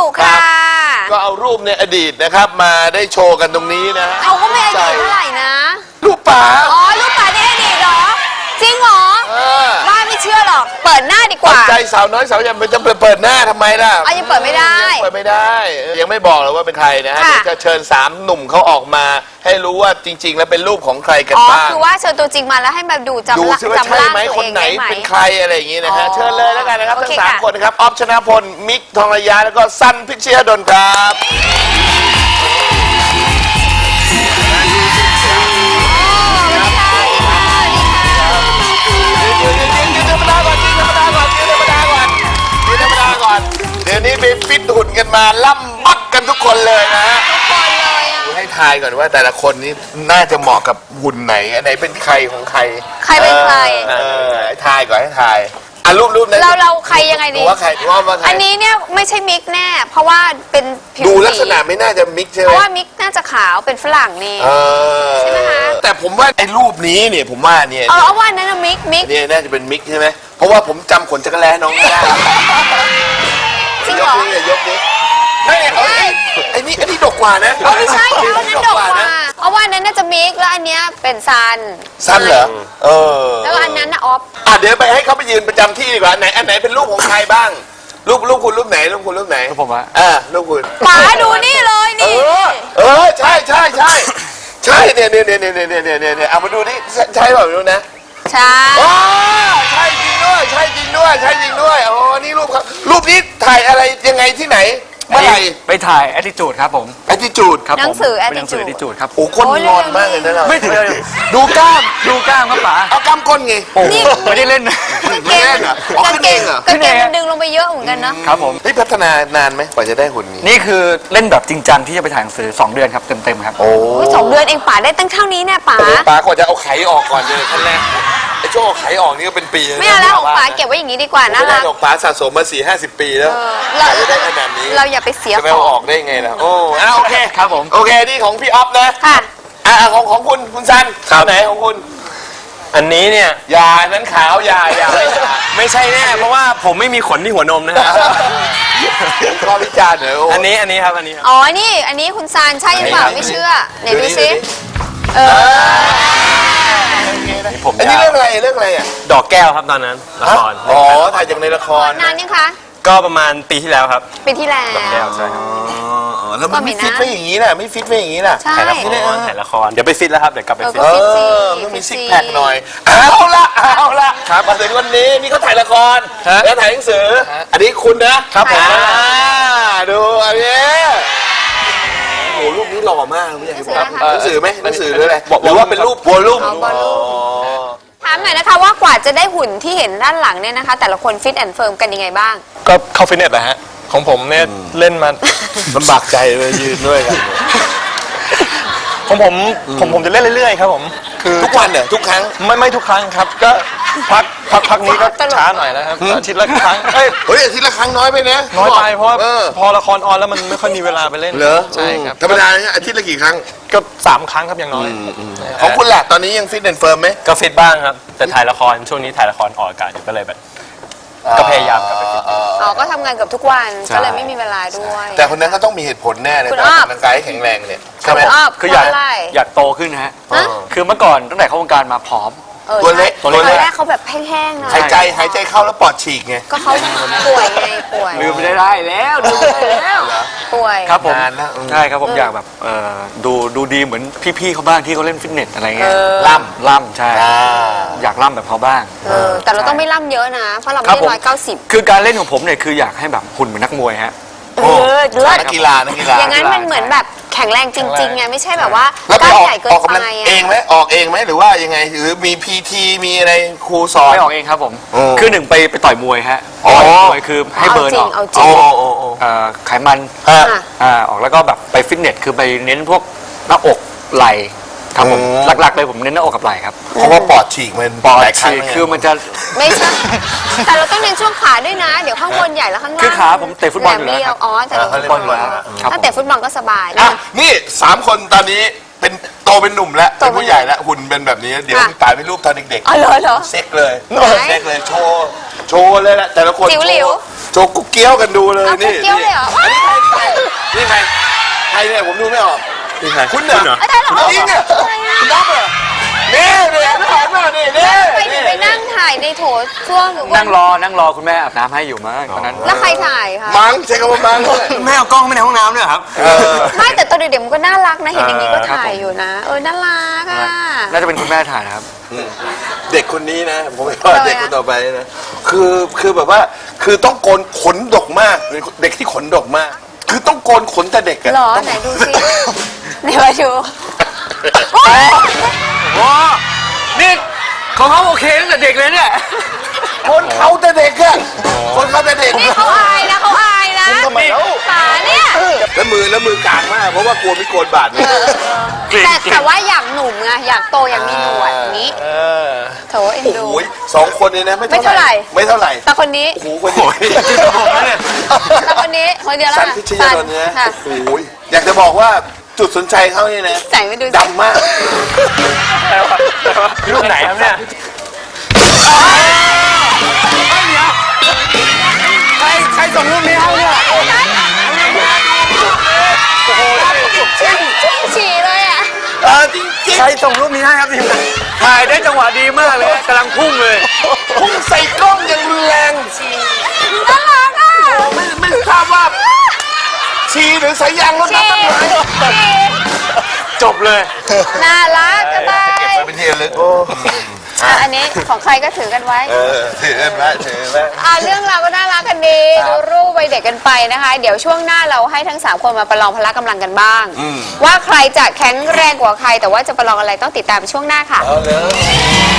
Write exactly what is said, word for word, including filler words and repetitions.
ค่ะก็เอารูปในอดีตนะครับมาได้โชว์กันตรงนี้นะฮะเอาก็ไม่อดีตเท่าไหร่นะรูปป๋าอ๋อรูปป๋าในอดีตเหรอจริงเหรอเออบ้าไม่เชื่อหรอกเปิดหน้าดีกปัจว่าจัยสาวน้อยสาวใหญ่มันจะเปิดหน้าทำไมล่ะอ๋อยังเปิดไม่ได้ยังเปิดไม่ได้ยังไม่บอกเลยว่าเป็นใครนะฮะค่ะเดี๋ยวจะเชิญสามหนุ่มเขาออกมาให้รู้ว่าจริง ๆ แล้วเป็นรูปของใครกันอ๋อบ้างคือว่าเชิญตัวจริงมาแล้วให้มาดูจำดูละซิว่าจำใช่ร่างไหมตัวคนเองไหนได้ไหมเป็นใครอะไรอย่างนี้นะฮะอ๋อเชิญเลยแล้วกันนะครับโอทั้เคงสามค่ะคนนะครับออฟชนะพลมิกทองระยะแล้วก็สั้นพิชยดลครับเดี๋ยวนี้ไปฟิตหุ่นกันมาล่ำบักกันทุกคนเลยนะฮะทุกคนเลยอะให้ทายก่อนว่าแต่ละคนนี้น่าจะเหมาะกับหุ่นไหนอันไหนเป็นใครของใครใครเป็นใครเออให้ทายก่อนให้ทายอ่ะรูปรูปนั้นเราเราใครยังไงดีว่าใครว่าว่าใครอันนี้เนี่ยไม่ใช่มิกแน่ เพราะว่าเป็นผิวดูสีลักษณะไม่น่าจะมิกใช่ไหเพมราะว่ามิกน่าจะขาวเป็นฝรั่งนี่เออใช่ไหมคะแต่ผมว่าไอ้รูปนี้เนี่ยผมว่าเนี่ยเออเอาว่านั้นนะมิกมิกเนี่ยน่าจะเป็นมิกใช่ไหมเพราะว่าผมจำขนจักรแล้น้องไม่ได้จริงยเหรกอนี้เนี่ยยกนี้ไม่เอาไอ้ไอ้นี่ไอ้นี่ดกกว่านะเอาไม่ใช่เอานั้นดกกว่าเอาว่านั้นน่าจะมิกแล้วอันเนี้ยเป็นซันสั้นเหรอเออแล้วก็อันนั้นนะออฟอ่ะเดี๋ยวไปให้เขาไปยืนประจำที่ดีกว่าไหนอันไหนเป็นรูปของใครบ้างรูปรูปคุณรูปไหนรูปคุณรูปไหนรูปผมอะอ่ารูปคุณป๋าดูนี่เลยเอนี่อเออใช่ใช่ใช่ใช่เนี่ยเนี่ยเนี่ยเนี่ยเนี่ยเนี่ยเนี่ยเนี่ยเอามาดูนี่ใช่เปล่าไม่รู้นะใช่ว้าใช่จริงด้วยใช่จริงด้วยใช่จริงด้วยโอ้นี่รูปครับรูปนี้ถ่ายอะไรยังไงที่ไหนเมื่อไหร่ไปถ่าย attitude ครับผมไอทิจูดครับหนัผงมสือแอเป็นหนังสือ attitude attitude ครับโอ้คนงอนมากเลยนะเราไม่ถึงเลยดูกล้ามดูกล้ามครับป๋าเอากล้ามก้นไงโอ้โหไม่ได้เล่นนะไม่แน่เหรออ๋อขึ้นเองเหรอกางเกงมันดึงลงไปเยอะเหมือนกันนะครับผมนี่พัฒนานานไหมกว่าจะได้หุ่นนี้นี่คือเล่นแบบจริงจังที่จะไปถ่ายหนังสือสองเดือนครับเต็มๆครับโอ้โอ้ยสองเดือนเองป๋าได้ตั้งเท่านี้เนี่ยป๋าปากว่าจะเอาไข่ออกก่อนเลยขั้นแรกไอ้ช่วงเอาไข่ออกนี่ก็เป็นปีนะไม่เอาแล้วของป๋าเก็บไว้อย่างนี้ดีกว่าน่าไม่ได้รักดอกป๋าสะสมมาสี่ห้าสิบปีแล้วเราจะได้ขนาดนี้เราอย่าไปเสียจะไปขอเอาอง อกได้ไงล่ะโอ้อ่ะโอเคครับผมโอเคนี่ของพี่ออฟนะค่ะอ่ะของของคุณคุณซันเอาไหนของคุณอันนี้เนี่ยยานั้นขาวยายาไม่ใช่แน่เพราะว่าผมไม่มีขนที่หัวนมนะฮะข้อวิจารณ์เหรอโอันนี้อันนี้ครับอันนี้ครับอ๋อนี่อันนี้คุณซานใช่หรือเปล่าไม่เชื่อไหนดูซิเออผมอันนี้ยาวเรื่องอะไรเรื่องอะไรอ่ะดอกแก้วครับตอนนั้นละครอ๋อถ่ายจากในละครนานยังคะก็ประมาณปีที่แล้วครับปีที่แล้วดอกแก้วใช่ครับอ๋อแล้วมันไม่ก็ไม่ฟิตนะไม่อย่างนี้น่ะไม่ฟิตไม่อย่างนี้น่ะใช่ถ่ายละครถ่ายละครเดี๋ยวไปฟิตแล้วครับเดี๋ยวกลับไปเออฟิตก็เอฟิตสิอต้องมีฟิซิตกสิแพคหน่อยเอาละเอาละครับมาถึงวันนี้นี่เขาถ่ายละครแล้วถ่ายหนังสืออันนี้คุณนะครับผมอ่าดูอันนี้โอ้โหรูปนี้หล่อมากไม่อยากให้บอกหนังสือไหมหนังสือหรืออะไรหรือว่าเป็นรูปวอลลุ่มเอาบอลลูนถามหน่อยนะคะว่ากว่าจะได้หุ่นที่เห็นด้านหลังเนี่ยนะคะ แต่ละคนฟิตแอนด์เฟิร์มกันยังไงบ้างก็เข้าฟิตเนสแหละฮะ ของผมเนี่ยเล่นมาลำบากใจเลยยืนด้วยกันของผมผมผมจะเล่นเรื่อยๆครับผมคือทุกวันเนี่ยทุกครั้งไม่ไม่ทุกครั้งครับ ก็พักพักพักนี้ก็ตลกช้าหน่อยนะครับอาทิตย์ละครั้งเอ้ยเฮ้ยอาทิตย์ละครั้งน้อยไปนะน้อยไปเพราะว่าออพอละครออนแล้วมันไม่ค่อยมีเวลาไปเล่นเหรอใช่ครับธรรมดาเนี่ยอาทิตย์ละกี่ครั้งก็สามครั้งครับอย่างน้อยของคุณล่ะตอนนี้ยังฟิตแอนด์เฟิร์มไหมก็ฟิตบ้างครับ แต่ถ่ายละครช่วงนี้ถ่ายละครออกอากาศอยู่ก็เลยแบบ ก็พยายามกลับไปฟิตอ๋อก็ทำงานเกับทุกวันก็เลยไม่มีเวลาด้วยแต่คนนั้นก็ต้องมีเหตุผลแน่เลยคุณการอ้อออกกำลังกายให้แข็งแรงเนี่ยใช่ไหมคุณอ้อคืออยากเพราะอะไรอยากโตขึ้นนะฮะฮะคือเมื่อก่อนตั้งแต่เข้าวงการมาผอมออตัวเล็กใช่ตัวเล็กตอนแรกเขาแบบแห้งๆหน่อยหายใจหายใจเข้าแล้วปอดฉีกไงก็เขาป่วยไงป่วยลืมไม่ได้แล้วลืมไม่ได้แล้วป่วยครับผมนานแล้วอืมใช่ครับผมอยากแบบเอ่อดูดูดีเหมือนพี่ๆเขาบ้างที่เขาเล่นฟิตเนสอะไรเงี้ยเออล่ำล่ำใช่อ่าอยากล่ำแบบเขาบ้างเออแต่เราต้องไม่ล่ำเยอะนะ เพราะเราไม่ครับได้ผมร้อยเก้าสิบคือการเล่นของผมเนี่ยคืออยากให้แบบหุ่นเหมือนนักมวยฮะเออเลิศนักกีฬานักกีฬาอย่างนั้นมันเหมือนแบบแข็งแรงจริงๆไงไม่ใช่แบบว่าแล้วไปกล้ามออกใหญ่เกิอน อกกำไปลังอะเองไหมออกเองไหมหรือว่ายังไงหรือมีพีทีมีอะไรครูสอนไม่ออกเองครับผมโอ้คือหนึ่งไปไปต่อยมวยฮะอ๋อต่อยมวยคือให้เอาเบิร์นจริอง อกเอาจริโอ้งโอ้โอ้เอ่อไขมันฮะอ่ะอ่าออกแล้วก็แบบไปฟิตเนสคือไปเน้นพวกหน้าอกไหล่ครับผมอืมหลักๆเลยผมเน้นหน้าอกกับไหล่ครับเพราะว่าปอดฉีกมันปอดหลายครั้งฉีกแล้วไงคือมันจะไม่ใช่ แต่เราต้องเน้นช่วงขาด้วยนะ เดี๋ยวข้างบนใหญ่แล้วข้างล่างคือขาผมเตะฟุตบอลอยู่แหมแล้วเรีคยรัวบอ๋อแต่เออเขาเล่นฟุตบอลครับถ้าเตะฟุตบอลก็สบายอ่ะนะนี่สามคนตอนนี้เป็นโตเป็นหนุ่มแล้วโตเป็นเป็นผู้ใหญ่แล้วหุ่นเป็นแบบนี้เดี๋ยวค่ะตายเป็นรูปตอนเด็กอ๋อเหรอเหรอๆเซ็กเลยไหนเซ็กเลยโชว์โชว์เลยแหละแต่ละคนจิ๋วหลิวโชว์โชว์กุ๊กเกี้ยวกันดูเลยเอานี่กุ๊กเกี้ยวเลยเหรออันนี้ใครรเนี่ยผมดูไม่ออกนี่ใครคุณเหรออาจารย์เหรอจริงเนี่ยคุณน้องเหรอนี่นี่ถ่ายมานี่นี่ไปถึงไปนั่งถ่ายในโถส้วมหรือว่านั่งรอนั่งรอคุณแม่อาบน้ำให้อยู่มั้งตอนนั้นแล้วใครถ่ายคะมังใช้คำว่ามังเลยแม่เอากล้องไปในห้องน้ำด้วยครับเออไม่แต่ตอนเด็กๆมันก็น่ารักนะเห็นอย่างนี้ก็ถ่ายอยู่นะ เออน่ารักอ่ะน่าจะเป็นคุณแม่ถ่ายนะครับเด็กคนนี้นะผมไม่ว่าเด็กคนต่อไปนะคือคือแบบว่าคือต้องโกนขนดกมากเด็กที่ขนดกมาก คือต้องโกนขนแต่เด็กอะหรอต้องไหนดูซิไหนมาดูโอ้นี่ของเขาโอเคตั้งแต่เด็กเลยเนี่ยคนเขาแต่เด็กอะคนเขาแต่เด็กนี่เขาอายนะเขาอายนะคุณทำไมเล่าขาเนี่ยแล้วมือแล้วมือกลางมากเพราะว่ากลัวไม่โกนบาดเนี่ยแต่แต่ว่าอยากหนุ่มไงอยากโตอยากมีหนวดอย่างนี้โถเอ็นโอ้ดูโหสองคนนี้นะไม่ไม่เท่าไหร่ไม่เท่าไหร่แต่คนนี้โอ้โหคนนี้แต่คนนี้คนเดียวแล้วสันค่ะพิชยานนท์นะค่ะโอ้โหอยากจะบอกว่าจุดสนใจเขาเนี่ยนะใส่ไม่ดูสิดำมากรูปไหนครับเนี่ยใครใครส่งรูปนี้ให้เนี่ยชุ่มฉี่เลยอ่ะเออจริงใครส่งรูปนี้ให้ครับทีมงานถ่ายได้จังหวะดีมากเลยกำลังพุ่งเลยๆพุ่งใส่กล้องอย่างรุนแรงน่ารักอ่ะไม่ไม่ทราบว่าชีหรือสายยางรถฉี่น้ำมันไหลฉี่จบเลยน่ารักจะตายเป็นที่ระลึกโอ้อ่ะอันนี้ของใครก็ถือกันไว้เออถือไว้ถือไว้อ่าเรื่องราวก็น่ารักกันดีดูรูปวัยเด็กกันไปนะคะ เดี๋ยวช่วงหน้าเราให้ทั้งสามคนมาประลองพละกำลังกันบ้าง ว่าใครจะแข็งแรงกว่าใคร แต่ว่าจะประลองอะไรต้องติดตามช่วงหน้าค่ะเอาเลย